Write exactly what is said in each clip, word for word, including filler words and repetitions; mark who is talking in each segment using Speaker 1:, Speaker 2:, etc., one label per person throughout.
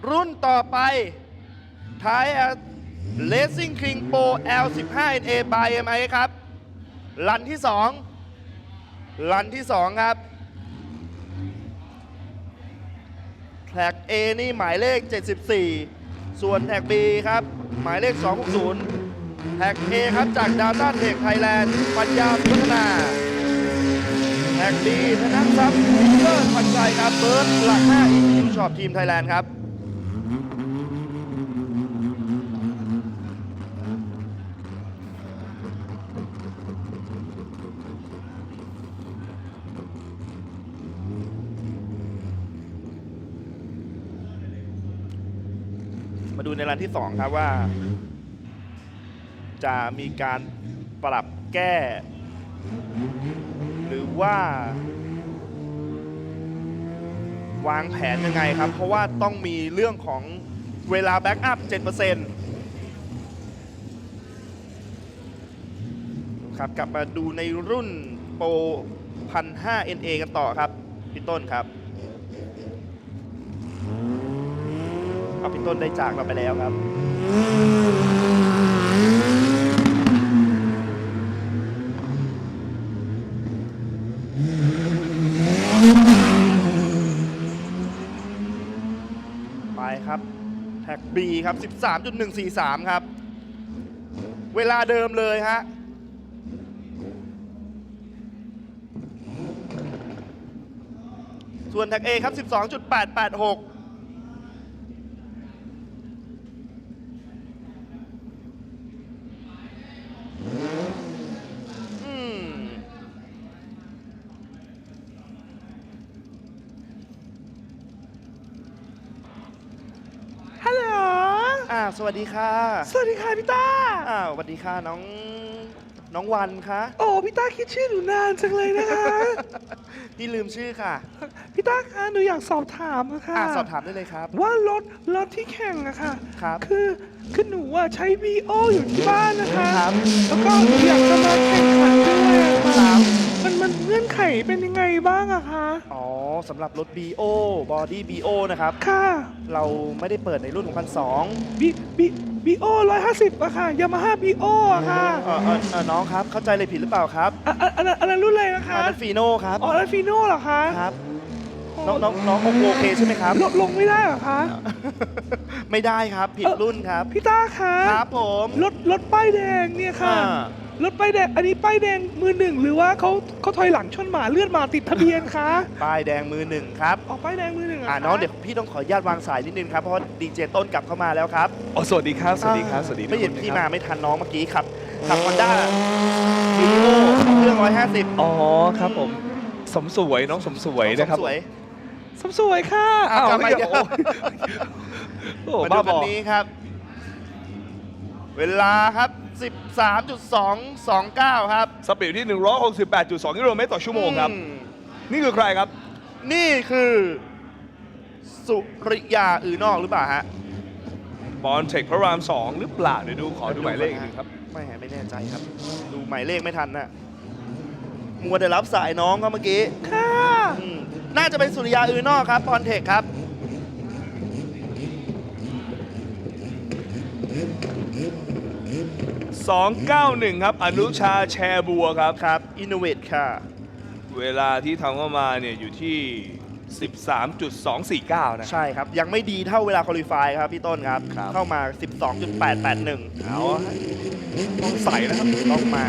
Speaker 1: รุ่นต่อไปท้าย Racing King Pro แอล สิบห้า เอ็น เอ by เอ็ม ไอ ครับรันที่สองรันที่สองครับแท็ก A นี่หมายเลขเจ็ดสิบสี่ส่วนแท็ก B ครับหมายเลขสองหกศูนย์แท็ก A ครับจาก Data Tech Thailand ปัญญาพัฒนาแท็ก B ธนทรัพย์พิเตอร์พันใจครับเบิร์ดหลักห้า อี คิว Shop Team Thailand ครับมาดูในรันที่สองครับว่าจะมีการปรับแก้ หรือว่าวางแผนยังไงครับเพราะว่าต้องมีเรื่องของเวลาแบ็กอัพ เจ็ดเปอร์เซ็นต์ ครับกลับมาดูในรุ่นโปร หนึ่งพันห้าร้อย เอ็น เอ กันต่อครับพี่ต้นครับเอาพี่ต้นได้จากเราไปแล้วครับไปครับแท็ก B ครับ สิบสามจุดหนึ่งสี่สาม ครับเวลาเดิมเลยฮะส่วนแท็ก A ครับ สิบสองจุดแปดแปดหก
Speaker 2: ฮัลโหล
Speaker 1: อ่าสวัสดีค่ะ
Speaker 2: สวัสดีค่ะพี่ต้า
Speaker 1: อ่าสวัสดีค่ะน้องน้องวันคะ
Speaker 2: โอ้พี่ต้าคิดชื่อหนูนานจังเลยนะคะ
Speaker 1: พี่ลืมชื่อค่ะ
Speaker 2: พี่ต้าคะหนูอยากสอบถามอะค่ะ
Speaker 1: อ่าสอบถามได้เลยครับ
Speaker 2: ว่ารถรถที่แข่งอะค่ะ
Speaker 1: ครับ
Speaker 2: คือคือหนูอะใช้ วี โอ อยู่ที่บ้านนะคะ
Speaker 1: ครับ
Speaker 2: แล้วก็หนูอยากจะมาแข่งขันด้วยอะ
Speaker 1: ครั
Speaker 2: ค่ะ
Speaker 1: บ
Speaker 2: มันมันเงื่อนไขเป็นยังไงบ้างอะคะ
Speaker 1: อ๋อสำหรับรถ บี โอ Body บี โอ นะครับ
Speaker 2: ค่ะ
Speaker 1: เราไม่ได้เปิดในรุ่นของพันสอง
Speaker 2: บีบีบีโอร้อยห้าสิบอะค่ะยามาฮ่าบีโออะค่ะ
Speaker 1: เออเออเออน้องครับเข้าใจเลยผิดหรือเปล่าครับ
Speaker 2: อ่ะอ่ะอันนั้นอันนั้นรุ่นอะไรนะคะ
Speaker 1: อันนั้นฟีโน่ครับ
Speaker 2: อ๋อแล้วฟีโน่เหรอคะ
Speaker 1: ครับน้องน้องน้องโอเคใช่ไหมครับ
Speaker 2: ลดลงไม่ได้เหรอคะ
Speaker 1: ไม่ได้ครับผิดรุ่นครับ
Speaker 2: พี่ต้าคะ
Speaker 1: ครับผม
Speaker 2: รถรถป้ายแดงเนี่ยค่ะ
Speaker 1: อ่าร
Speaker 2: ถป้ายแดงอันนี้ป้ายแดงมือหนึ่งหรือว่าเขาเขาถอยหลังชนหมาเลือดหมาติดทะเบียนคะ
Speaker 1: ป้ายแดงมือหนึ่งครับ
Speaker 2: ออกป้ายแดงมือหนึ่งะ
Speaker 1: อ่า
Speaker 2: คะ
Speaker 1: น้องเดี๋ยวพี่ต้องขออนุญาตวางสายนิดนึงครับเพราะว่าดีเจต้นกลับเข้ามาแล้วครับ
Speaker 3: อ๋อสวัสดีครับ สวัสดีครับ สวัสดีทุก
Speaker 1: ไม่
Speaker 3: ค
Speaker 1: เห็น
Speaker 3: น
Speaker 1: พี่
Speaker 3: นะค
Speaker 1: มา
Speaker 3: รับ
Speaker 1: ไม่ทันน้องเมื่อกี้ครับขับฮอนด้าวีโอเครื่องร้อยห้าสิบ
Speaker 3: อ๋อครับผม สมสวยน้องสมสวยนะครับ
Speaker 1: สวย
Speaker 2: สมสวยค่ะ
Speaker 1: อ่ะกลับมา
Speaker 3: เฮ้ย
Speaker 1: เดี๋ยว
Speaker 3: โอ้โอ้
Speaker 1: มา
Speaker 3: บ้า
Speaker 1: ดู
Speaker 3: บ
Speaker 1: คั
Speaker 3: อน
Speaker 1: นี้ครับ เวลาครับ สิบสามจุดสองสองเก้า ครับ
Speaker 3: สปีดที่ หนึ่งร้อยหกสิบแปดจุดสอง กิโลเมตรต่อชั่วโมงครับ
Speaker 1: อืม
Speaker 3: นี่คือใครครับ
Speaker 1: นี่คือสุริยาอือนอกหรือเปล่าฮะ
Speaker 3: บอลเทคพระรามสองหรือเปล่าเดี๋ยวดูขอดูหมายเลขอีกหนึ่งครับ
Speaker 1: ไม่ไม่แน่ใจครับ ดูหมายเลขไม่ทันนะมัวแต่รับสายน้องเขาเมื่อกี้
Speaker 2: ค่ะ
Speaker 1: อืมน่าจะเป็นสุริยาอือนอกครับพรเทคครับ
Speaker 3: สองเก้าหนึ่ง ครับ อนุชาแชร์บัวครับ
Speaker 1: ครับอินโนเวทค่ะ
Speaker 3: เวลาที่ทำเข้ามาเนี่ยอยู่ที่ สิบสามจุดสองสี่เก้า นะ
Speaker 1: ใช่ครับ ยังไม่ดีเท่าเวลาคุริฟายครับพี่ต้นครับ
Speaker 3: ครับ
Speaker 1: เข้ามา สิบสองจุดแปดแปดหนึ่ง
Speaker 3: เอาฮะต้องใส่นะครับ
Speaker 1: ต้องมา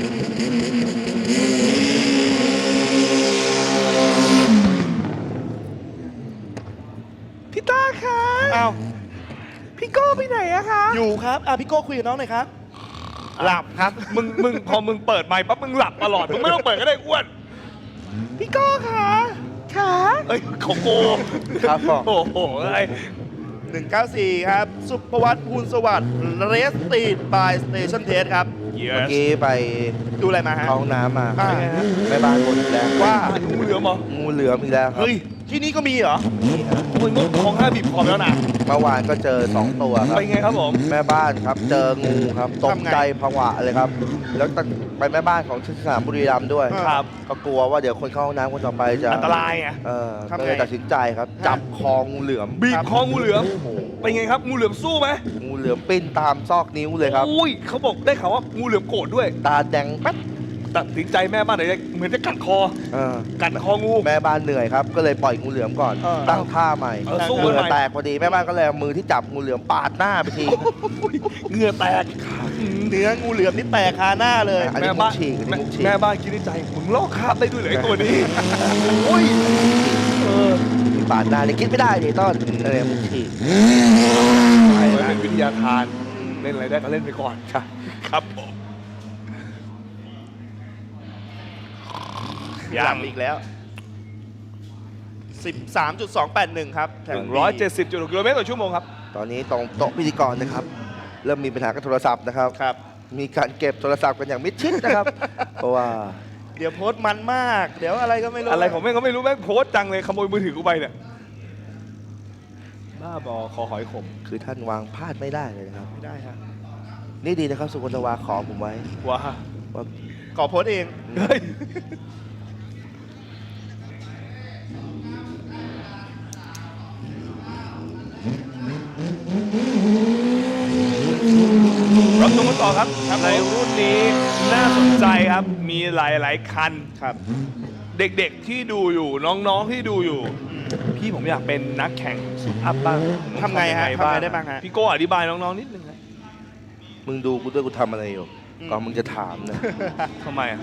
Speaker 2: พี่ต้าคะ
Speaker 1: อ้าว
Speaker 2: พี่โก้ไปไหนอะคะ
Speaker 1: อยู่ครับอ่ะพี่โก้คุยกับน้องหน่อยครับ หลับครับ
Speaker 3: มึงมึงพอมึงเปิดไมค์ปั๊บมึงหลับตลอด มึงไม่ต้องเปิดก็ได้อ้วน
Speaker 2: พี่โก้คะขา
Speaker 3: เอ้ยของโก
Speaker 1: ครับผม
Speaker 3: โอ้โหอะไร
Speaker 1: หนึ่งเก้าสี่ ครับ สุภวัฒน์ภูลสวัสดิ์เรสตีดบายสเตชันเทสครับ
Speaker 3: เย
Speaker 4: เมื่อ
Speaker 3: ส
Speaker 4: กี้ไป
Speaker 1: ดูอะไรมาฮะ
Speaker 4: เข้าห้องน้ำมา
Speaker 1: อ่า
Speaker 4: แม่บ้านบ่นอีกแล้ว
Speaker 1: ว่า
Speaker 3: งูเหลือมเหรอ
Speaker 4: งูเหลือมอีกแล้วครับ
Speaker 1: เฮ้ยที่นี่ก็มีเหรอ
Speaker 4: นี่ครับ
Speaker 3: โอ้ยงดของห้าบีบคอแล้วนะ
Speaker 4: เมื่อวานก็เจอสองตัวครับ
Speaker 3: เป็นไงครับผม
Speaker 4: แม่บ้านครับเจองูครับตก
Speaker 1: ทำไง
Speaker 4: ใจผวาเลยครับ แล้วไปแม่บ้านของสนามบุรีรัมย์ด้วย
Speaker 3: ครับ
Speaker 4: ก็กลัวว่าเดี๋ยวคนเข้าห้องน้ำคนต่อไปจะ
Speaker 3: อันตรายไง
Speaker 4: เออ
Speaker 1: ทำไง
Speaker 4: ก็เลยตัดสินใจครับ จับคองูเหลือม
Speaker 3: บีบคองูเหลือม
Speaker 4: โอ้โห
Speaker 3: เป็นไงครับงูเหลือมสู้ไหม
Speaker 4: งูเหลือมปิ้นตามซอกนิ้วเลยครับ
Speaker 3: อุ้ยเขาบอกได้ข่าวว่างูเหลือมโกรธด้วย
Speaker 4: ตาแดงแป๊ด
Speaker 3: ตัดสินใจแม่บ้านไหนจะเหมือนจะกัดคอ
Speaker 4: เออ
Speaker 3: กัดคองู
Speaker 4: แม่บ้านเหนื่อยครับ ก็เลยปล่อยงูเหลือมก่อน
Speaker 1: เออ
Speaker 4: ตั้งท่าใหม่
Speaker 3: เออสู้
Speaker 4: เห
Speaker 3: กัน
Speaker 4: งื่
Speaker 3: ให
Speaker 4: อ
Speaker 3: ม่
Speaker 4: แตกพอดีแม่บ้านก็เลยเอามือที่จับงูเหลือมปาดหน้าไปที
Speaker 3: เหงื่อแตก
Speaker 1: เนื้องูเหลือมนี่แตกคาหน้าเลย
Speaker 4: อันนี้
Speaker 3: แม่บ้าน
Speaker 4: มุกฉีกอันนี้มุกฉีก
Speaker 3: แม่บ้านคิดในใจมึงลอกคราบได้ด้วยเหรอไอ้ตัวนี้โอ้ยเออ
Speaker 4: มีปาดหน้าเลยคิดไม่ได้ดิต้นเออมุกฉีก
Speaker 3: มันเป็นวิทยาทานเล่นอะไรได้ก็เล่นไปก่อนครับครับผม
Speaker 1: ยามอีกแล้ว สิบสามจุดสองแปดหนึ่ง ครับแถ
Speaker 3: ห
Speaker 1: ว
Speaker 3: นึ่งร้อยเจ็ดสิบจุดหกกิโลเมตรต่อชั่วโมงครับ
Speaker 4: ตอนนี้ตรงโต๊ะพิธีกรนะครับ เริ่มมีปัญหากับโทรศัพท์นะครับ
Speaker 1: ครับ
Speaker 4: มีการเก็บโทรศัพท์กันอย่างมิดชิดนะครับ เพราะว่า
Speaker 1: เดี๋ยวโพสต์มันมาก เดี๋ยวอะไรก็ไม่รู้
Speaker 3: อะไรของแม่งก็ไม่รู้แม่งโพสต์จังเลยขโมยมือถือกูไปเนี่ยบ้าบอคอหอยขม
Speaker 4: คือท่านวางพลาดไม่ได้เลยนะครับ
Speaker 1: ไม่ได้ครับ
Speaker 4: นี่ดีนะครับสุวรรณวาขอผมไว้
Speaker 3: ว้า
Speaker 4: ว่า
Speaker 1: ขอโพสต์เอง
Speaker 3: เฮ้ยรับชมกันต่อครับในรุ่นนี้น่าสนใจครับมีหลาย ๆ คัน
Speaker 1: ครับ
Speaker 3: เด็ก ๆ ที่ดูอยู่น้อง ๆ ที่ดูอยู่ พี่ผมอยากเป็นนักแข่งสุดอัพบ้าง
Speaker 1: ทำไงฮะทำไงได้บ้างฮะ
Speaker 3: พี่โก้อธิบายน้อง ๆ นิดนึงครับ
Speaker 4: มึงดูกูด้วยกูทำอะไรอยู่
Speaker 1: อืม
Speaker 4: ก่อนมึงจะถามนะ
Speaker 3: ทำไมอ่ะ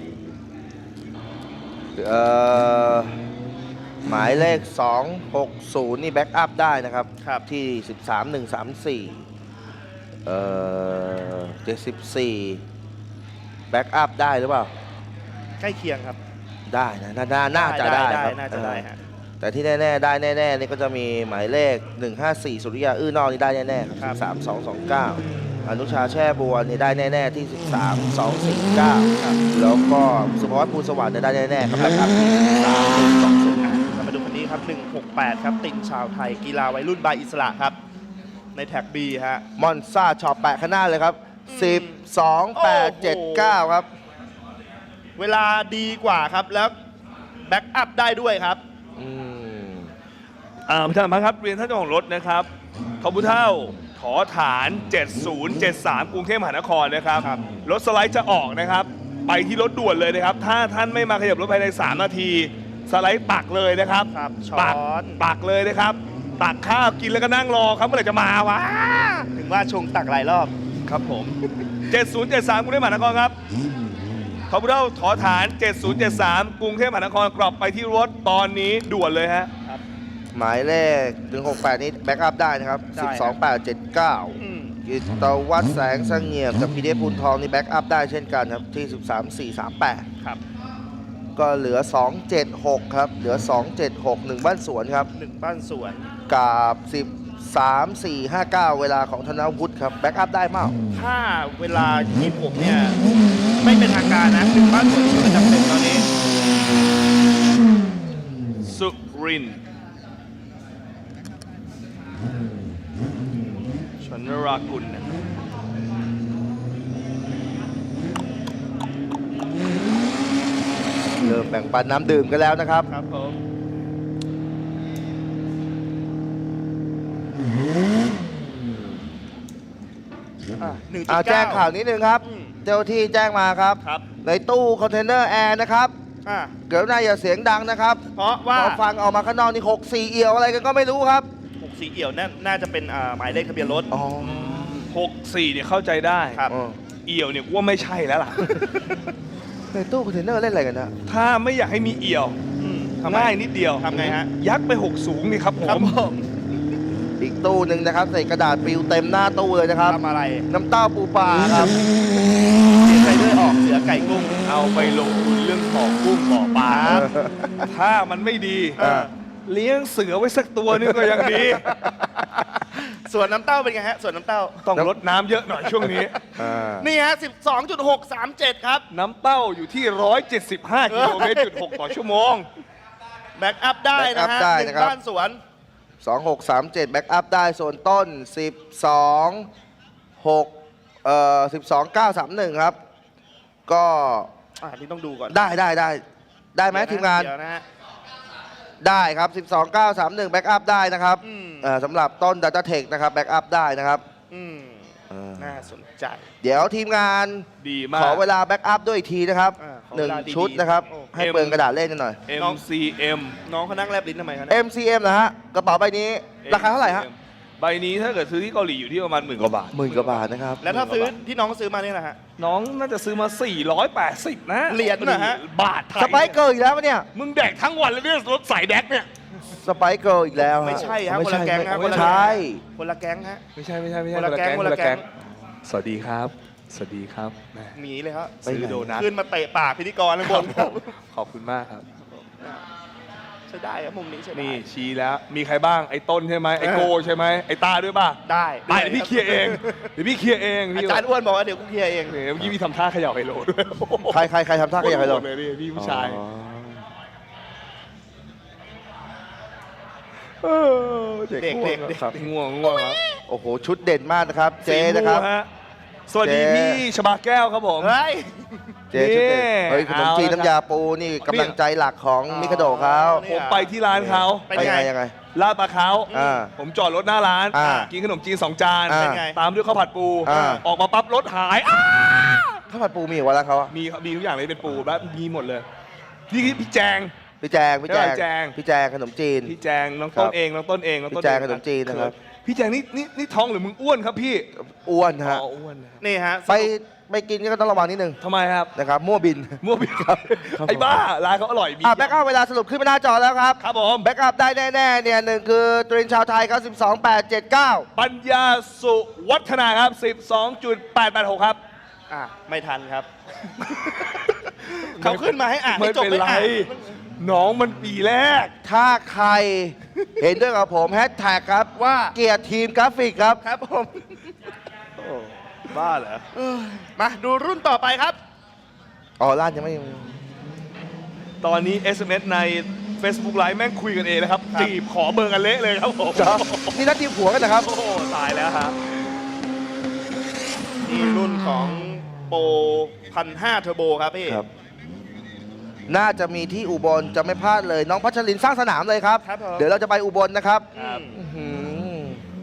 Speaker 4: เอ่อหมายเลข สองหกศูนย์ นี่แบ็กอัพได้นะครับ
Speaker 1: ครับ
Speaker 4: ที่ สิบสามหนึ่งสามสี่ เอ่อเจ็ดสิบสี่แบ็กอัพได้หรือเปล่า
Speaker 1: ใกล้เคียงครับ
Speaker 4: ได้นะน่าน่าน่าจะได้ครับ
Speaker 1: น่าจะได้ฮะ
Speaker 4: เออแต่ที่แน่ ๆ ได้แน่ ๆ นี่ก็จะมีหมายเลข หนึ่งห้าสี่ สุริยา อื้อนอกนี่ได้แน่ ๆ ครับ สามสองสองเก้า อนุชาแช่บัวนี่ได้แน่ ๆ ที่ สิบสามสองสี่เก้า
Speaker 1: ครับ
Speaker 4: แล้วก็สุภวัฒน์ภูลสวัสดิ์เนี่ยได้แน่ ๆ ครับแบ็กอัพที่สามหนึ่งสองศูนย์
Speaker 1: เรามาดูคันนี้ครับ หนึ่งหกแปด ครับ ตินชาวไทย กีฬาวัยรุ่นบายอิสระครับ ในแท็ก B ฮะ
Speaker 4: มอนซ่าช็อปแปะข้างหน้าเลยครับ สิบ สอง แปด เจ็ด เก้า ครับ
Speaker 1: เวลาดีกว่าครับ แล้วแบ็กอัพได้ด้วยครับ
Speaker 4: อืม
Speaker 3: อ่าท่านพันครับเรียนท่านเจ้าของรถนะครับทอบุเท่าถอฐาน เจ็ดศูนย์เจ็ดสาม กรุงเทพมหานครนะครับ
Speaker 1: ครับ
Speaker 3: รถสไลด์จะออกนะครับ ไปที่รถด่วนเลยนะครับ ถ้าท่านไม่มาขยับรถภายใน สาม นาที สไลด์ปักเลยนะครับ
Speaker 1: ครับช้
Speaker 3: ปัก
Speaker 1: อน
Speaker 3: ปักเลยนะครับ ตักข้าวกินแล้วก็นั่งรอครับเมื่อไหร่จะมาวะ
Speaker 1: ถึงว่าชงตักหลายรอบ
Speaker 3: ครับผม เจ็ดศูนย์เจ็ดสาม กรุงเทพมหานครครับทอบุเท่าถอฐาน เจ็ดศูนย์เจ็ดสาม กรุงเทพมหานครกลับไปที่รถตอนนี้ด่วนเลยฮะ
Speaker 4: หมายเลข หนึ่งหกแปด นี้แบ็กอัพได้นะครับ
Speaker 1: ได้
Speaker 4: สิบ
Speaker 1: ค
Speaker 4: ส
Speaker 1: รั
Speaker 4: อง
Speaker 1: บ
Speaker 4: แปด เจ็ด เก้า
Speaker 1: อืม
Speaker 4: กิตวัฒน์แสงเสงี่ยมกับพีเดพูลทองนี่แบ็กอัพได้เช่นกันครับ ที่ สิบสาม สี่ สาม แปด
Speaker 1: ครับ
Speaker 4: ก็เหลือ สอง เจ็ด หก ครับ เหลือ สอง เจ็ด หก หนึ่ง บ้านสวนครับ
Speaker 1: หนึ่งบ้านสวน
Speaker 4: กับ สิบสาม สี่ ห้า เก้า เวลาของธนวุฒิครับ แบ็กอัพได้เปล่า
Speaker 1: ถ้าเวลายี่ผมเนี่ย ไม่เป็นทางการนะหนึ่งบ้านสวนที่ประจำเป็นตอนนี้
Speaker 3: สุรินทร์ชนรากุลนะครับ
Speaker 4: เริ่มแบ่งปันน้ำดื่มกันแล้วนะครับ
Speaker 1: ครับผมอ่ะหนึ่งจุด
Speaker 4: อ่า
Speaker 1: เก้า
Speaker 4: แจ้งข่าวนิดนึงครับ
Speaker 1: อืม
Speaker 4: เจ้าที่แจ้งมาครับ
Speaker 1: ครับ
Speaker 4: ในตู้คอนเทนเนอร์แอร์นะครับ
Speaker 1: อ่ะ
Speaker 4: เดี๋ยวนายอย่าเสียงดังนะครับ
Speaker 1: เพราะว่า
Speaker 4: พอฟังออกมาข้างนอกนี่หกสี่เอี่ยวอะไรกันก็ไม่รู้ครับ
Speaker 1: หกสีเอี่ยวน่าน่าจะเป็นอ่าหมายเลขทะเบียนรถ
Speaker 4: อ๋อ
Speaker 3: หกสี่เนี่ยเข้าใจได้
Speaker 1: ครับ
Speaker 4: อ๋อ
Speaker 3: เอี่ยวเนี่ยกูว่าไม่ใช่แล้วล่ะ
Speaker 4: ในตู้คอนเทนเนอร์เล่นอะไรกันนะ
Speaker 3: ถ้าไม่อยากให้มีเอี่ยว
Speaker 1: อืมทำไม
Speaker 3: ง่ายนิดเดียว
Speaker 1: ทำไงฮะ
Speaker 3: ยักษ์ไปหกสูงนี่ครับผ
Speaker 1: ครับ
Speaker 3: ม
Speaker 1: ผม
Speaker 4: อีกตู้หนึ่งนะครับใส่กระดาษปลิวเต็มหน้าตู้เลยนะครับ
Speaker 1: ทำอะไร
Speaker 4: น้ำเต้าปูปลาครับ
Speaker 1: เสียใจด้วยออกเสือไก่กุ้ง
Speaker 3: เอาไปลงทุนเรื่องบ่อกุ้งบ่อปลา
Speaker 1: ครับ
Speaker 3: ถ้ามันไม่ดี
Speaker 4: เออ
Speaker 3: เลี้ยงเสือไว้สักตัวนึงก็ยังดี
Speaker 1: ส่วนน้ำเต้าเป็นไงฮะ ส่วนน้ำเต้า
Speaker 3: ต้องลดน้ำเยอะหน่อยช่วงนี้
Speaker 4: อ่า
Speaker 1: นี่ฮะ สิบสองจุดหกสามเจ็ด ครับ
Speaker 3: น้ำเต้าอยู่ที่ หนึ่งร้อยเจ็ดสิบห้า กิโลเมตรจุดหกต่อชั่วโมง
Speaker 1: แบ็กอัพได้นะ
Speaker 4: back
Speaker 1: ฮะ
Speaker 4: up ได้
Speaker 1: หนึ่
Speaker 4: นะ
Speaker 1: ง
Speaker 4: ครับ
Speaker 1: บ้านสวน
Speaker 4: สองหกสามเจ็ดแบ็กอัพได้ส่วนต้นสิบสองหกเอ่อสิบสองเก้าสามหนึ่งครับ ก็
Speaker 1: อ่านี่ต้องดูก่อน
Speaker 4: ได้ได้ได้ได้ไหมทีมงาน
Speaker 1: เดี๋ยวนะฮะ
Speaker 4: ได้ครับ สิบสองเก้าสามหนึ่งแบ็กอัพได้นะครับ
Speaker 1: อืม
Speaker 4: เอ่อสำหรับต้น Data Tech นะครับแบ็กอัพได้นะครับ
Speaker 1: อืม
Speaker 4: เออ
Speaker 1: น่าสนใจ
Speaker 4: เดี๋ยวทีมงาน
Speaker 3: ดีมาก
Speaker 4: ขอเวลาแบ็กอัพด้วยอีกทีนะครับ
Speaker 1: อ่าขอ
Speaker 4: ห
Speaker 1: เว
Speaker 4: นึ่ง
Speaker 1: ลาดีๆ
Speaker 4: ชุดนะครับ
Speaker 1: โอ้
Speaker 4: ให้เปลืองกระดาษเล่นหน่อย
Speaker 3: เอ็ม ซี เอ็ม
Speaker 1: น้องเขานั่งแลบลิ้นทำไมคะเนี่ย
Speaker 4: เอ็ม ซี เอ็ม นะฮะกระเป๋าใบนี้ราคาเท่าไหร่ฮะ
Speaker 3: ใบนี้ถ้าเกิดซื้อที่เกาหลีอยู่ที่ประมาณหมื่นกว่าบาท
Speaker 4: หมื่นกว่าบาทนะครับ
Speaker 1: แล้วถ้าซื้อที่น้องซื้อมาเนี่ยนะฮะ
Speaker 3: น้องน่าจะซื้อมา สี่ร้อยแปดสิบ นะ
Speaker 1: เหรียญน่ะฮะ
Speaker 3: บาทไทย
Speaker 4: สไปค์เกิร์ลอีกแล้วปะเนี่ย
Speaker 3: มึงแดกทั้งวันเลยเนี่ยรถสายแดกเนี่ย
Speaker 4: สไปค์เกิร์ลอีกแล้วฮะ
Speaker 1: ไม่ใช่ฮะ
Speaker 4: ไม่
Speaker 1: คนละแก๊งฮะ
Speaker 4: ไม่
Speaker 1: คนละ
Speaker 4: ใช่
Speaker 1: คนละแก๊งฮะ
Speaker 3: ไม่ใช่ไม่ใช่ไม่ใช่
Speaker 1: คนละแก๊งคนละแก๊ง
Speaker 3: สวัสดีครับ สวัสดีครับแหม
Speaker 1: หนีเลยครับ
Speaker 3: ซื้อโดนัท
Speaker 1: ขึ้นมาเตะปากพิธีกรข้างบนครับ
Speaker 3: ขอบคุณมากครับ
Speaker 1: ใช่ได้ครับมุมนี้ใช่ได้
Speaker 3: นี่ชี้แล้ว มีใครบ้าง ไอ้ต้นใช่ไหมไอ้โกใช่ไหมไอ้ตาด้วยป่ะ
Speaker 1: ได้
Speaker 3: ไปเดี๋ยวพี่เคลียร์เองเดี๋ยวพี่เคลียร์เอง
Speaker 1: อา
Speaker 3: พี่
Speaker 1: จารย์อ้วนบอกว่าเดี๋ยวกูเคลียร์เอง
Speaker 3: เนี่ยเมื่อกี้พี่ทำท่าเขย่าไฮโลด้วย
Speaker 4: ใครใครใครทำท่าขยับไปลง
Speaker 3: เลยนี่พี่ผู้ชาย
Speaker 4: อ๋อ
Speaker 3: เออเด็ก
Speaker 1: เด็ก
Speaker 3: ง่ว
Speaker 1: เด็
Speaker 3: ง
Speaker 1: กเด็ก
Speaker 3: ครับง่วงง่วงครับ
Speaker 4: โอ้โห ชุดเด่นมากนะครับ เจ๊นะครับ
Speaker 3: สีม่วงฮสวัสดี
Speaker 4: เจ๊
Speaker 3: พี่ชบาแก้วครับผม
Speaker 1: เฮ้ย
Speaker 4: เจ๊ชุดเด่น
Speaker 3: นี่
Speaker 4: เฮ้ยขนมจีน
Speaker 3: เอาละ
Speaker 4: น้ำยาปูนี่กำลังใจหลักของ
Speaker 1: อ๋อ
Speaker 4: มิคาโดะเขา
Speaker 1: นี่
Speaker 3: ผมไปที่ร้านเขา
Speaker 1: เป็น
Speaker 4: ไป
Speaker 1: ไง
Speaker 4: ยังไงยังไง
Speaker 3: ลาดปลาเขา
Speaker 4: อ่า
Speaker 3: ผมจอดรถหน้าร้าน
Speaker 4: อ่า
Speaker 3: กินขนมจีนสองจาน
Speaker 4: อ่า
Speaker 1: เป็นไง
Speaker 3: ตามด้วยข้าวผัดปู
Speaker 4: อ่า
Speaker 3: ออกมาปั๊บรถหายอ้า
Speaker 4: ข้าวผัดปูมีอีกวันแล้วเขาอะ
Speaker 3: มีมีทุกอย่างเลยเป็นปูแบบมีหมดเลยพี่พี่แจง
Speaker 4: พี่แจงพี่แจง
Speaker 3: พี่แจง
Speaker 4: พี่แจงขนมจีน
Speaker 3: พี่แจงน้องต้น
Speaker 4: ครับ
Speaker 3: เองน้องต้นเองน้องต้น
Speaker 4: พี่แจง
Speaker 3: เอ
Speaker 4: ขนมจีนนะครับ
Speaker 3: พี่แจงนี่นี่นี่ท้องหรือมึงอ้วนครับพี่
Speaker 4: อ้วน
Speaker 3: อ๋
Speaker 4: ฮะ
Speaker 3: ออ้วนนะครับ
Speaker 1: นี่ฮะ
Speaker 4: ไปไปกินก็ต้องระวังนิดนึง
Speaker 3: ทำไมครับ
Speaker 4: นะครับมั่วบิน
Speaker 3: มั่วพี่ครับ
Speaker 4: ครับ
Speaker 3: ไอ้บ้าร้านเขาอร่อยมี
Speaker 4: อ่ะแบ็กอัพเวลาสรุปขึ้นมาหน้าจอแล้วครับ
Speaker 3: ครับผม
Speaker 4: แบ็กอัพได้แน่ๆเนี่ยหนึ่งคือตรินชาวไทยครับสิบสองแปดเจ็ดเก้า
Speaker 3: ปัญญาสุวัฒนาครับ สิบสองจุดแปดแปดหก ครับ
Speaker 1: อ่ะไม่ทันครับ เขาขึ้นมาให้อ่าน
Speaker 3: ไม่
Speaker 1: ให้จบ
Speaker 3: เป็น
Speaker 1: ไม่
Speaker 3: ไร
Speaker 1: อ่าน
Speaker 3: น้องมันปีแรก
Speaker 4: ถ้าใคร เห็นด้วยกับผมแฮชแท็กครับว่าเกียรติทีมกราฟิกครับ
Speaker 1: ครับผม
Speaker 3: บ้าเหรอ
Speaker 1: มาดูรุ่นต่อไปครับ
Speaker 4: อ๋อร้านยังไม่
Speaker 3: ตอนนี้ เอส เอ็ม เอส ใน Facebook Live แม่งคุยกันเองนะครับ
Speaker 1: ครับ
Speaker 3: จีบขอเบอร์กันเละเลยครับผม
Speaker 4: เหรอนี่นัดทีมผัวกันนะครับ
Speaker 3: โอ้โหตายแล้วฮะ
Speaker 1: นี่รุ่นของโปรพันห้าเทอร์โบครับพี่
Speaker 4: ครับ น่าจะมีที่อุบลจะไม่พลาดเลย น้องพัชรินสร้างสนามเลยครับ
Speaker 1: ครับผม
Speaker 4: เดี๋ยวเราจะไปอุบลนะครับ
Speaker 1: ครับ
Speaker 4: อื้อหือ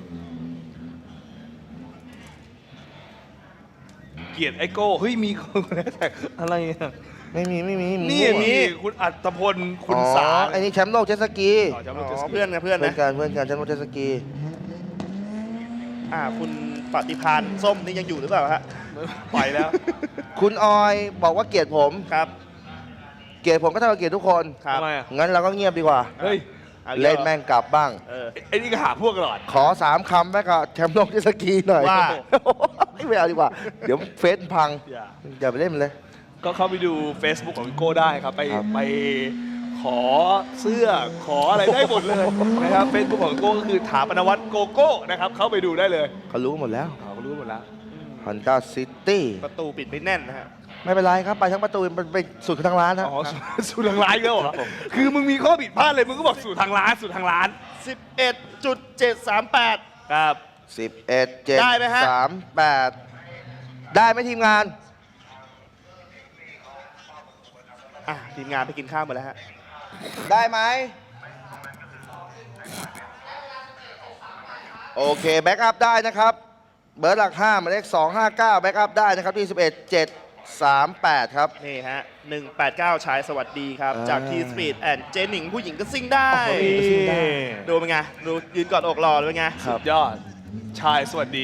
Speaker 3: เกลียดไอโก้ เฮ้ย มีคนแฮชแท็กอะไรอ่ะ
Speaker 4: ไม่มีไม่มี
Speaker 3: นี่
Speaker 4: มั่ว
Speaker 3: มีคุณอัตพล คุณ
Speaker 4: อ๋อ
Speaker 3: สา
Speaker 4: ไอ้นี่แชมป์โลกเจ็ตสกี
Speaker 3: ต่อจำ
Speaker 1: อ๋
Speaker 3: รถเจ็ต
Speaker 1: อ
Speaker 3: สกี
Speaker 1: เพื่อนนะเพื่อน
Speaker 4: เพื่อ
Speaker 1: นะ
Speaker 4: นกันเพื่อนกันแชมป์โลกเจ็ตสกี
Speaker 1: อ่าคุณปฏิพานส้มนี่ยังอยู่หรือเปล่าฮะ
Speaker 3: ปล่อยแล้ว
Speaker 4: คุณออยบอกว่าเกลียดผม
Speaker 1: ครับ
Speaker 4: เกลียดผมก็เท่ากับเกลียดทุกคน
Speaker 1: ครับ
Speaker 3: ทำไมอ่ะ
Speaker 4: งั้นเราก็เงียบดีกว่า
Speaker 3: เฮ้ย
Speaker 1: อาอีก
Speaker 4: เล่น
Speaker 1: ล้ว
Speaker 4: แม่งกลับบ้าง
Speaker 1: เออ
Speaker 3: ไอ้นี่ก็หาพวกตลอด
Speaker 4: ขอสามคำแม่กับแชมป์โลกเจ็ตสกีหน่อย
Speaker 1: ว่า
Speaker 4: ไม่เอาดีกว่า เดี๋ยวเฟซพัง
Speaker 3: อย่า
Speaker 4: อย่าไปเล่นมันเลย
Speaker 3: ก็เข้าไปดู Facebook ของพี่โก้ได้ครับ ไป
Speaker 4: ครับ
Speaker 3: ไปขอเสื้อขออะไรได้หมดเลยนะครับ Facebook ของพี่โก้ก็คือถาปนวัฒน์โกโก้นะครับ เข้าไปดูได้เลย
Speaker 4: เขารู้หมดแล้ว
Speaker 3: เขารู้หมดแล้ว
Speaker 4: ฮอนด้าซิตี้
Speaker 1: ประตูปิดไม่แน่นนะฮะ
Speaker 4: ไม่เป็นไรครับ ไปทั้งประตูมันไปสุดทางร้านครับ
Speaker 3: อ๋อสู่สู่ทางร้านอีกแล้วเหรอคือมึงมีข้อผิดพลาดเลย มึงก็บอกสู่ทางร้านสู่ทางร้าน
Speaker 1: สิบเอ็ดจุดเจ็ดสามแปด
Speaker 3: ครับ
Speaker 4: สิบเอ็ดเจ็ด
Speaker 1: ได้ไหมฮะ
Speaker 4: สามแปดได้ไหมทีมงาน
Speaker 1: อ่ะทีมงานไปกินข้าวหมดแล้วฮะ
Speaker 4: ได้ไหมโอเคแบ็กอัพได้นะครับ เบอร์หลักห้าหมายเลขสองห้าเก้าแบ็กอัพได้นะครับที่สิบเอ็ดเจ็ดสามแปดครับ
Speaker 1: นี่ฮะหนึ่งแปดเก้าชายสวัสดีครับ
Speaker 4: อ่า
Speaker 1: จากทีสปีดแอนเจนหนิงผู้หญิงก็ซิ่งได้
Speaker 4: โอ้โห ซิ่งได้
Speaker 1: ดูเป็นไง ดูยืนกอดอกรอเลยเป็นไง
Speaker 4: ครับ
Speaker 3: ยอด ชายสวัสดี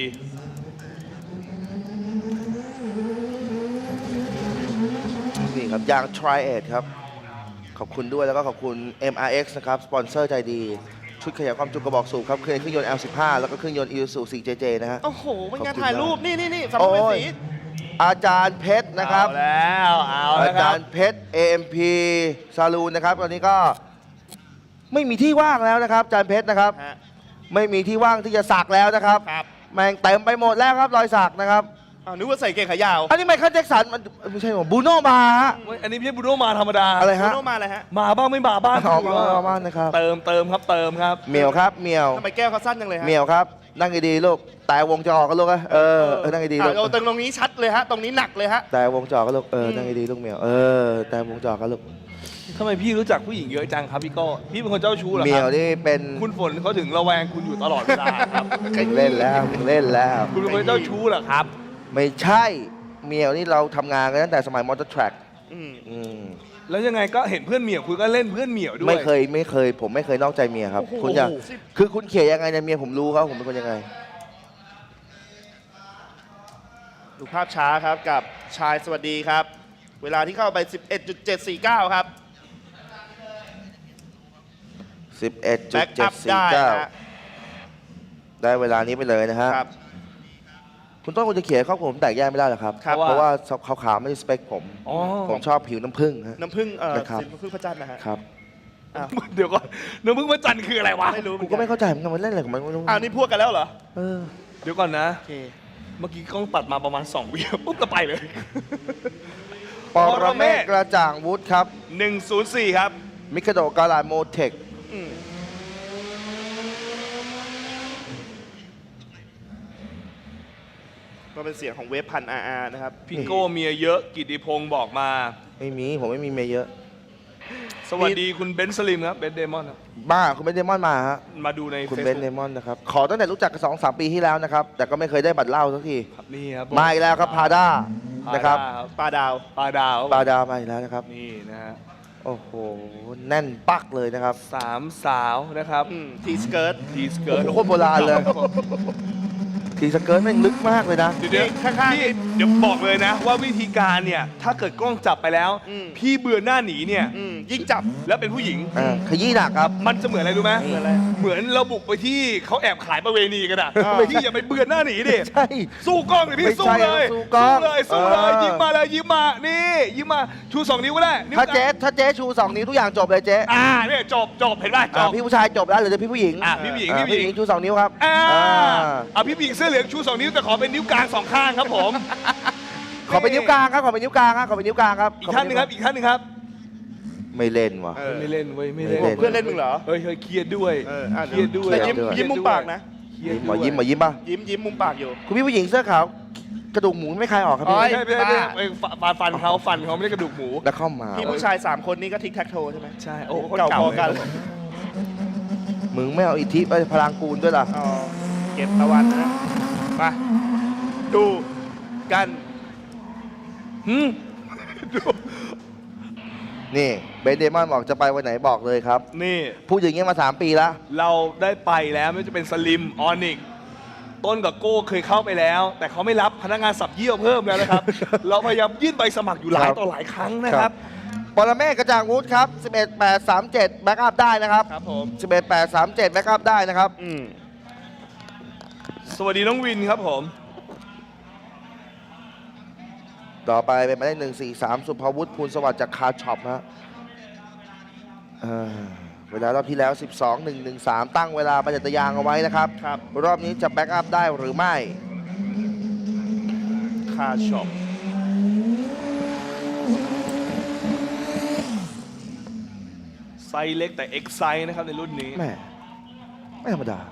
Speaker 4: นี่ครับยาง Tri เอทครับ ขอบคุณด้วยแล้วก็ขอบคุณ เอ็ม อาร์ เอ็กซ์ นะครับ สปอนเซอร์ใจดี ชุดขยายความจุกระบอกสูบครับเครื่องยนต์ แอล สิบห้า แล้วก็เครื่องยนต์ Isuzu โฟร์ เจ เจ นะฮะ
Speaker 1: โอ้โหเป็นไง
Speaker 4: ขอบคุณ
Speaker 1: ถ่ายรูป นี่นี่นี่สำหรับ
Speaker 4: โอ้
Speaker 1: เป็น
Speaker 4: ย
Speaker 1: สี
Speaker 4: อาจารย์เพชรนะครับ
Speaker 3: เอาแล้วเอา
Speaker 4: อา
Speaker 3: แล้วค
Speaker 4: จา
Speaker 3: รับ
Speaker 4: รย์เพชร เอ เอ็ม พี ซาลูนนะครับ ตอนนี้ก็ไม่มีที่ว่างแล้วนะครับ อาจารย์เพชรนะครับ
Speaker 1: ฮะ
Speaker 4: ไม่มีที่ว่างที่จะสักแล้วนะครับ
Speaker 1: ครับ
Speaker 4: แม่งเต็มไปหมดแล้วครับรอยสักนะครับ
Speaker 1: อ้าวนึกว่าใส่เกงขายาว
Speaker 4: อันนี้ไมเคิลแจ็คสันมันไม่ใช่หรอบูโนมาฮะ
Speaker 3: เว้ยอันนี้ไม่ใช่บูโน่มาธรรมดา
Speaker 4: อะไร
Speaker 1: โร
Speaker 4: ฮะ
Speaker 1: โนมาเลยฮะ
Speaker 3: มาบ้างไม่มาบ้าง
Speaker 4: ออก
Speaker 3: คือ
Speaker 4: มา
Speaker 3: ว่า
Speaker 4: ออกมานะครับ
Speaker 3: เติมเติมครับเติมครับ
Speaker 4: เหมียวครับเหมียว
Speaker 1: ทำไมแก้วเขาสั้นจังเลยฮะ
Speaker 4: เหมียวครับนั่งดีๆลูกแต่วงจะออกกันลูกอะเออเออนั่งดีๆ
Speaker 1: อ่ะ
Speaker 4: ลูก
Speaker 1: เราตรงตรงนี้ชัดเลยฮะ ตรงนี้หนักเลยฮะ
Speaker 4: แต่วงจอกันลูกเออนั่งดีๆลูกเหมียวเออแต่วงจอกันลูก
Speaker 3: ทำไมพี่รู้จักผู้หญิงเยอะจังครับพี่โก้พี่เป็นคนเจ้าชู้เหรอ
Speaker 4: เหมี
Speaker 3: ค
Speaker 4: ยว
Speaker 3: รับ
Speaker 4: นี่เป็น
Speaker 3: คุณฝนเขาถึงระแวงคุณอยู่ตลอดเวลาครับ
Speaker 4: เล่นแล้วเล่นแล้ว
Speaker 3: คุณเป็นคนเจ้าชู้เหรอครับ
Speaker 4: ไม่ใช่เหมียวนี่เราทำงานกันตั้งแต่สมัยมอเตอร์แทร็ก
Speaker 1: อืม
Speaker 4: อืม
Speaker 3: แล้วยังไงก็เห็นเพื่อนเหมียวคุณก็เล่นเพื่อนเหมียวด้วย
Speaker 4: ไม่เคยไม่เคย ผมไม่เคยนอกใจเมียครับ
Speaker 1: โอ้โห
Speaker 4: คุณจะคือคุณเขียนยังไงเนี่ยเมียผมรู้ครับผมเป็นคนยังไง
Speaker 1: ดูภาพช้าครับกับชายสวัสดีครับ เวลาที่เข้าไป สิบเอ็ดจุดเจ็ดสี่เก้า ครับ
Speaker 4: สิบเอ็ดจุ
Speaker 1: แบ็
Speaker 4: ด
Speaker 1: ก
Speaker 4: เจ็
Speaker 1: อั
Speaker 4: ด
Speaker 1: พ
Speaker 4: สี่
Speaker 1: ได้
Speaker 4: เก้า
Speaker 1: นะฮะ
Speaker 4: ได้เวลานี้ไปเลยนะฮะ
Speaker 1: ครับ
Speaker 4: คุณต้องคุณจะเขียนครอบครัวผมแตกแยกไม่ได้หรอกครับ
Speaker 1: ครับ
Speaker 4: เพราะว่าขาวๆไม่ได้สเปคผม
Speaker 3: อ๋อ
Speaker 4: ผมชอบผิวน้ำผึ้งฮะ
Speaker 1: น้ำผึ้งเอ่อ
Speaker 4: นะครับ
Speaker 1: สินน้ำผึ้งพระจันทร์นะฮะ
Speaker 4: ครับ
Speaker 1: อ้าว
Speaker 3: เดี๋ยวก่อนน้ำพึ่งพระจันทร์คืออะไรวะ
Speaker 1: ไม่รู้เห
Speaker 4: กู
Speaker 1: อน
Speaker 4: ก็
Speaker 1: น
Speaker 4: ไม่เข้าใจเหมือนกันมันเล่นอะไรของมันไม่รู้
Speaker 1: อ้าวนี่พวกกันแล้วเหรอ
Speaker 4: เออ
Speaker 3: เดี๋ยวก่อนนะ
Speaker 1: โอเค
Speaker 3: เมื่อกี้กล้องตัดมาประมาณสองวิปุ๊บก็ไปเลย
Speaker 4: ปรเมศกระจ่างวุฒิครับ
Speaker 3: หนึ่งศูนย์สี่ครับ
Speaker 4: มิคาโดกาลาโมเทค
Speaker 1: อืมก็เป็นเสียงของเวฟพันอาร์อาร์นะครับ
Speaker 3: พี่โก้เมียเยอะกิติพงศ์บอกมา
Speaker 4: ไม่มีผมไม่มีเมียเยอะ
Speaker 3: สวัสดีคุณเบนซ์สลิมครับเบนซ์เดมอนครับ
Speaker 4: บ้าคุณเบนเดมอนมาฮะ
Speaker 3: มาดูใน
Speaker 4: คุณ
Speaker 3: เฟซ
Speaker 4: เบนเดมอนนะครับ ขอตั้งแต่รู้จักกันสองสามปีที่แล้วนะครับ แต่ก็ไม่เคยได้บัตรเหล้าสักที
Speaker 3: ครับนี่ครับ
Speaker 4: มาอีกแล้วครับพาด้านะครับ
Speaker 1: ปลาดาว
Speaker 3: ปลาดาว
Speaker 4: ปาดามาอีกแล้วนะครับ
Speaker 3: นี่นะฮะ
Speaker 4: โอ้โห แน่นปักเลยนะครับ
Speaker 3: สามสาวนะครับ
Speaker 1: อืมทีสเกิร์ต
Speaker 3: ทีสเกิร์ต
Speaker 4: โอ้โหโคตรโบราณเลย ทีสเกิร์ตแม่งลึกมากเลยนะ
Speaker 3: เดี๋ยวเดี๋ยว
Speaker 1: ข้างๆ
Speaker 3: พี่เดี๋ยวบอกเลยนะ ว่าวิธีการเนี่ยถ้าเกิดกล้องจับไปแล้ว
Speaker 1: อืม
Speaker 3: พี่เบื่อหน้าหนีเนี่ย
Speaker 1: อืมยิ่งจับ
Speaker 3: แล้วเป็นผู้หญิง
Speaker 4: อ่าขยี้หนักครับ
Speaker 3: มันจะเหมือนอะไรรู้ไหม
Speaker 1: เหมือนอะไร
Speaker 3: เหมือนเราบุกไปที่เขาแอบขายประเวณีกันอ่ะ
Speaker 1: อ่า
Speaker 3: พี่อย่าไปเบื่อหน้าหนีดิ
Speaker 4: ใช่
Speaker 3: สู้กล้องเลยพี่
Speaker 4: ไม่
Speaker 3: สู้
Speaker 4: ใช่
Speaker 3: เลย
Speaker 4: สู้กล้อง
Speaker 3: เลยสู้เลย
Speaker 4: เออ
Speaker 3: ยิ้มมาเลยยิ้มมานี่ยิ้มมาชูสองนิ้วก็ได้นิ้ว
Speaker 4: ถ้าก
Speaker 3: ลง
Speaker 4: เจ๊ถ้าเจ๊ชูสองนิ้วทุกอย่างจบเลยเจ๊
Speaker 3: อ่าเนี่ยจบจบเห็นป่ะจ
Speaker 4: อ่า
Speaker 3: บ
Speaker 4: พี่ผู้ชายจบแล้วเหรือพี่ผู้หญิง
Speaker 3: อ่ะพี่ผู้หญิง
Speaker 4: อ่า
Speaker 3: พี่ผู้หญิง
Speaker 4: ชูสองนิ้วครับ
Speaker 3: อ่า
Speaker 4: อ่า
Speaker 3: อ่ะพี่ผู้หญิงเสื้อเหลืองชูสองนิ้วแต่ขอเป็นนิ้วกลางสองข้างครับผม
Speaker 4: ขอเป็นนิ้วกลางครับขอเป็นนิ้วกลางครับขอเป็นนิ้วกลางครับ
Speaker 3: อีกท่านหนึงครับอีกท่านหนึงครับ
Speaker 4: ไม่เล่นว่ะ
Speaker 1: เออ
Speaker 3: ไม่เล่นเว้ยไม่
Speaker 4: ไม่
Speaker 3: เล่น
Speaker 4: เล่น
Speaker 1: เพื่อนเล่นมึงเหรอ
Speaker 3: เฮ้ยเฮ้ยเครียดด้วย
Speaker 1: เอออ่ะ
Speaker 3: เครียดด้วย
Speaker 1: แต่ยิ้ม
Speaker 4: เครียดด้วย
Speaker 1: ยิ้มมุมปากนะ
Speaker 3: เครียด
Speaker 4: หม
Speaker 3: ด้
Speaker 4: อ
Speaker 3: วย
Speaker 4: ยิ้มหมอยิ้มป่ะ
Speaker 1: ยิ้มยิ้มมุมปากอยู่
Speaker 4: คุณพี่ผู้หญิงเสื้อขาวกระดูกหมูไม่คลายออกครับพี่
Speaker 1: โอ้
Speaker 3: ไม่
Speaker 1: ย
Speaker 3: ใช่ไม่ใช่ไม่ใช่
Speaker 1: บ้า
Speaker 3: เอ้ยฟันฟันเขาฟันเขาไม่ได้กระดูกหมู
Speaker 4: แล้วเข้ามา
Speaker 1: พี่ผู้ชาย 3 คนนี้ก็ทิกแท็กโทใช่ไหม
Speaker 3: ใช่โอ้โห
Speaker 1: เก่าพอกัน
Speaker 3: เลย
Speaker 4: มึงไม่เอาอิทธิไปพลังกูลด้วยล่ะ
Speaker 1: อ๋อเก็บตะวันนะมาดูกัน
Speaker 3: หืม
Speaker 4: นี่เบนเดมอนบอกจะไปวันไหนบอกเลยครับ
Speaker 3: นี่
Speaker 4: พูดอย่างเงี้ยมาสามปีแล้ว
Speaker 3: เราได้ไปแล้วไม่ว่าจะเป็นสลิมออนิกต้นกับโก้เคยเข้าไปแล้ว แต่เขาไม่รับพนักงานสับเยี่ยวเพิ่มแล้วนะครับ เราพยายามยื่นใบสมัครอยู่หลาย
Speaker 4: ครับ
Speaker 3: ต่อหลายครั้งนะครับ
Speaker 4: ปรเมศกระจ่างวุฒิครับ สิบเอ็ดแปดสามเจ็ด แบ็กอัพได้นะครับ
Speaker 1: ครับผม
Speaker 4: สิบเอ็ดแปดสามเจ็ด แบ็กอัพได้นะครับ
Speaker 1: อืม
Speaker 3: สวัสดีน้องวินครับผม
Speaker 4: ต่อไปเป็นหมายเลขหนึ่งสี่สามสุภวุฒิภูลสวัสดิ์จากคาร์ช็อปฮะเอ่อเวลารอบที่แล้ว สิบสองหนึ่งหนึ่งสาม ตั้งเวลาประจัตยางเอาไว้นะครับ
Speaker 1: ครับ
Speaker 4: รอบนี้จะแบ็กอัพได้หรือไม่
Speaker 1: คาช็อป
Speaker 3: ไซส์เล็กแต่เอ็กไซส์นะครับในรุ่นนี้
Speaker 4: แม่ไม่ธรรมดา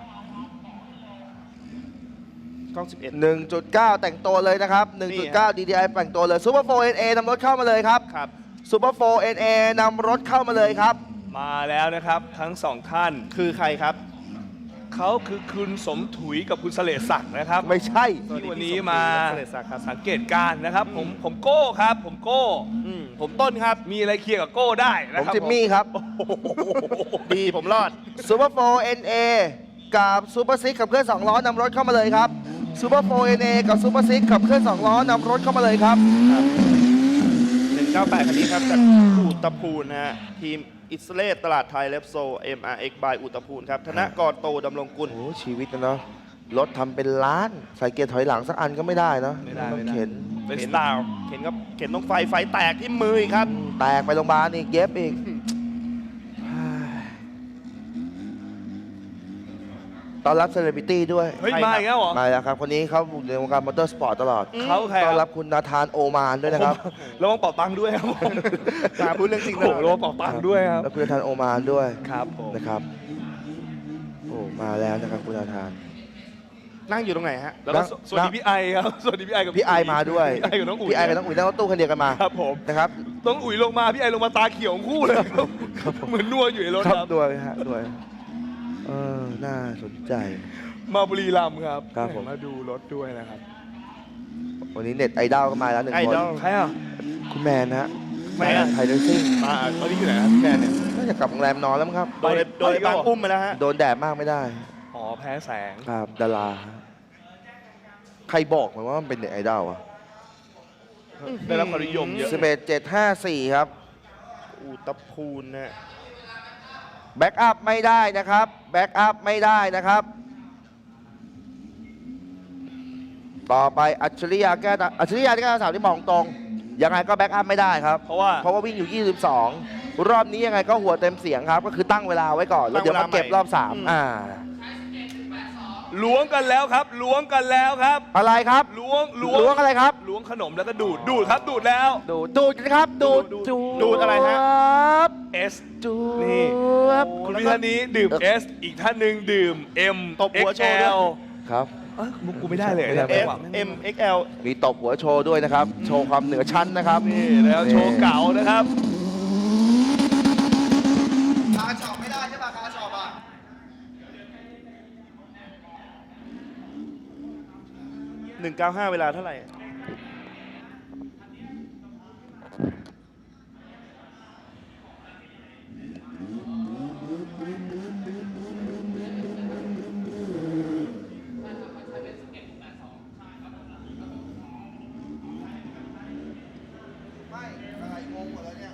Speaker 1: กล้อง สิบเอ็ด
Speaker 4: หนึ่งจุดเก้า แต่งตัวเลยนะครับ หนึ่งจุดเก้า ดี ดี ไอ แต่งตัวเลย ซูเปอร์โฟร์ เอ็น เอ นำรถเข้ามาเลยครับ
Speaker 1: ครับ
Speaker 4: ซูเปอร์โฟร์ เอ็น เอ นำรถเข้ามาเลยครับ
Speaker 3: มาแล้วนะครับทั้งสองท่าน
Speaker 1: คือใครครับ
Speaker 3: เขาคือคุณสมถุยกับคุณเสลศักดิ์นะครับ
Speaker 4: ไม่ใช่
Speaker 1: สวัสดี
Speaker 3: ที่วัน
Speaker 1: พี่
Speaker 3: นี้
Speaker 1: สม
Speaker 3: มา
Speaker 1: เสด็จศักดิ์ครับ
Speaker 3: สังเกตการณ์นะครับ ผมผมโก้ครับ ผมโก้
Speaker 1: อืมผมต้นครับ
Speaker 3: มีอะไรเคลียร์กับโก้ได้
Speaker 4: ผ
Speaker 3: นะ
Speaker 4: ม
Speaker 3: ครับ
Speaker 4: จิมมี่ครับ
Speaker 1: ดีผมรอด
Speaker 4: ซูเปอร์โฟร์ เอ็น เอ กับซูเปอร์ซิกขับเคลื่อนสองล้อนำรถเข้ามาเลยครับซูเปอร์โฟร์ เอ็น เอ กับซูเปอร์ซิกขับเคลื่อนสองล้อนำรถเข้ามาเลยครับ
Speaker 1: หนึ่งเก้าแปดคันนี้ครับจากอุตพูนนะฮะทีมอิสเลตตลาดไทยเลฟโซ เอ็ม อาร์ เอ็กซ์ by อุตพูนครับธนกรโตดำรงกุล
Speaker 4: โอ้โหชีวิตนะเนาะรถทำเป็นล้าน ใส่เกียร์ถอยหลังสักอันก็ไม่ได้เนาะ
Speaker 3: ไม่ได้
Speaker 4: ต้อง
Speaker 3: ไม่ได้
Speaker 4: เข็น
Speaker 3: เป็นสไตล์
Speaker 1: เข็นครับเข็นต้องไฟไฟแตกที่มืออีกครับ
Speaker 4: แตกไปโรงพยาบาลอีกเย็บอีกตอนรับเซเลบริตี้ด้วย
Speaker 3: เฮ้ย
Speaker 1: ใครครับ
Speaker 3: มาอีกแล้วเหรอ
Speaker 4: มาแล้วครับ คนนี้เขาอยู่ในวงการมอเตอร์สปอร์ตตลอด
Speaker 3: เขาใคร
Speaker 4: ต้อน
Speaker 3: ค
Speaker 4: รั
Speaker 3: รั
Speaker 4: บบ คุณนาธานโอมานด้วยนะครับ
Speaker 3: ระวังเป่าตังค์ด้วยครับผม
Speaker 1: มาพูดเรื่องจริง
Speaker 3: โอ้
Speaker 1: นะ
Speaker 3: โหระวังเป่าตังค์ด้วยครับ
Speaker 4: แล้วคุณนาธานโอมานด้วย
Speaker 3: ครับผม
Speaker 4: นะครับ โอ้ มาแล้วนะครับคุณนาธาน
Speaker 1: นั่งอยู่ตรงไหนฮะ
Speaker 3: แล้วก็สสวัสดีพี่ไอครับ สวัสดีพี่ไอกับ
Speaker 4: พี่ไอมาด้วย
Speaker 3: พี่ไอกับน้องอุ๋ย
Speaker 4: พี่ไอกับน้องอุ๋ยนั่งรถตู้คันเดียวกันมา
Speaker 3: ครับผม
Speaker 4: นะครับ
Speaker 3: น้องอุ๋ยลงมาพี่ไอลงมาตาเขียวทั้งคู่เลยครับเหมือนนัวอยู่ในรถ
Speaker 4: ค
Speaker 3: ค
Speaker 4: รั
Speaker 3: รั
Speaker 4: บบ ด้วยฮะด้วยเออ น่าสนใจ
Speaker 3: มาบุรีรัมย์ครับ
Speaker 4: ครับผม
Speaker 3: มาดูรถด้วยนะครับ
Speaker 4: วันนี้เน็ตไอดอลก็มาแล้วหนึ่ง
Speaker 1: ไอ
Speaker 4: คน
Speaker 1: ดอล
Speaker 3: ใครอ่ะ
Speaker 4: คุณแมนนะฮะ
Speaker 1: แมน
Speaker 4: ไทยเรซิ่ง
Speaker 3: มาตอนนี้อยู่ไหนครับพี่แมนเนี่ย
Speaker 4: น่าจะกลับโรงแรมนอนแล้วมั้งครับ
Speaker 1: โดนโดนไอ้บางอุ้มไปแล้วฮะ
Speaker 4: โดนแดดมากไม่ได้
Speaker 3: อ๋อแพ้แสง
Speaker 4: ครับดารา ใครบอกมันว่ามันเป็นเน็ตไอดอลอะ
Speaker 3: ได้รับความนิยมเยอะ
Speaker 4: สิบเอ็ดเจ็ดห้าสี่ครับ
Speaker 1: อูตะพูนนะ
Speaker 4: แบ็กอัพไม่ได้นะครับ แบ็กอัพไม่ได้นะครับ ต่อไปอัจฉริยะแก้ตาอัจฉริยะที่แก้ตาสามที่มองตรง ยังไงก็แบ็กอัพไม่ได้ครับ
Speaker 3: เพราะว่า
Speaker 4: เพราะว่าวิ่งอยู่ ยี่สิบสอง รอบนี้ยังไงก็หัวเต็มเสียงครับ ก็คือตั้งเวลาไว้ก่อน แล้วเดี๋ยวมาเก็บรอบสามอ่า
Speaker 3: ล้วงกันแล้วครับ ล้วงกันแล้วครับ
Speaker 4: อะไรครับ
Speaker 3: ล้วง ล้ว
Speaker 4: ล้วงอะไรครับ
Speaker 3: ล้วงขนมแล้วก็ดูด ดูดครับ ดูดแล้ว
Speaker 4: ดูดดูดนะครับ ดูด
Speaker 1: ดูดดูดอะไรฮะ
Speaker 4: ครับ
Speaker 3: S
Speaker 4: ดูด
Speaker 3: นี่
Speaker 4: ครับ
Speaker 3: คุณพี่ท่านนี้ดื่ม S อีกท่านหนึ่งดื่ม M
Speaker 1: ตบหัวโชว์ด้วย
Speaker 3: เอ็กซ์แอล
Speaker 4: ครับ
Speaker 3: เอ้ยมุกกูไม่ได้เลย
Speaker 4: ไม่ได้
Speaker 3: เนี่ย
Speaker 1: F
Speaker 3: จังหวะ
Speaker 1: M X L
Speaker 4: มีตบหัวโชว์ด้วยนะครับ โชว์ความเหนือชั้นนะครับ
Speaker 3: นี่แล้วโชว์เก่านะครับ
Speaker 4: คาช็อปไม่ได้ใช่ป่ะคาช็อปอ่ะ
Speaker 1: หนึ่งเก้าห้าเวลาเท่าไหร่
Speaker 4: ไม่อะไรงงหมดแล้วเนี่ย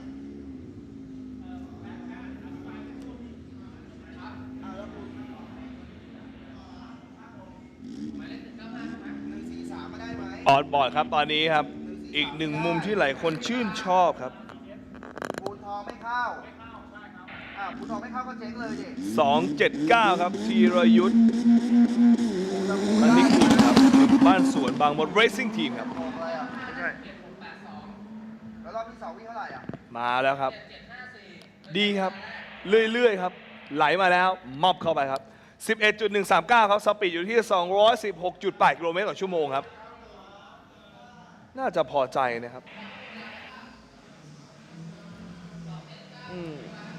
Speaker 3: ออนบอร์ดครับตอนนี้ครับ อีกหนึ่งมุมที่หลายคนชื่นชอบครับ
Speaker 4: ปูนทองไม่เข้าอ่าปูนทองไม่เข้าก็เจ๊งเลยดิ
Speaker 3: สองเจ็ดเก้า ครับธีรยุทธ์อันนี้คุณครับบ้านสวนบางมด Racing Team ครับ
Speaker 4: ทองอะไรอ่ะไม่ใช่แล้วรอบที่สองวิ่งเท่าไหร่อ่ะ
Speaker 3: มาแล้วครับ ดีครับ เรื่อยๆครับ ไหลมาแล้วมอบเข้าไปครับ สิบเอ็ดจุดหนึ่งสามเก้า ครับ สปีดอยู่ที่ สองร้อยสิบหกจุดแปด กิโลเมตรต่อชั่วโมงครับ น่าจะพอใจนะครับ
Speaker 1: อืม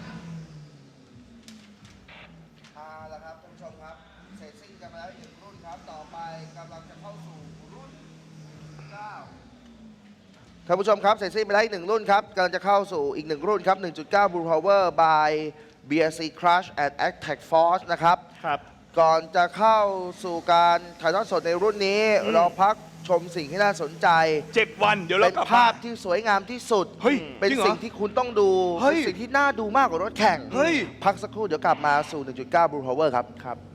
Speaker 4: เอาละครับท่านผู้ชมครับ เสร็จสิ้นกันมาแล้วอีกหนึ่งรุ่นครับ ต่อไปกำลังจะเข้าสู่รุ่นเก้าท่านผู้ชมครับ เสร็จสิ้นไปแล้วอีกหนึ่งรุ่นครับกำลังจะเข้าสู่อีกหนึ่งรุ่นครับ หนึ่งจุดเก้า Blue Power by บี เอส ซี Crush and Attack Force นะครับ
Speaker 1: ครับ
Speaker 4: ก่อนจะเข้าสู่การถ่ายทอดสดในรุ่นนี้
Speaker 1: อืม
Speaker 4: เราพักชมสิ่งที่น่าสนใจ
Speaker 3: เจ็ดวันเดี๋ยวเรา
Speaker 4: เป็น
Speaker 3: กลับ
Speaker 4: ภาพ
Speaker 3: มา
Speaker 4: ที่สวยงามที่สุด
Speaker 3: เฮ้ย
Speaker 4: เป็น
Speaker 3: จริงเหรอ
Speaker 4: สิ่งที่คุณต้องดู
Speaker 3: เฮ้ย
Speaker 4: เป็นสิ่งที่น่าดูมากกว่ารถแข่ง
Speaker 3: เฮ้ย
Speaker 4: พักสักครู่เดี๋ยวกลับมาสู่ หนึ่งจุดเก้า Blue Power ครับ
Speaker 1: ครับ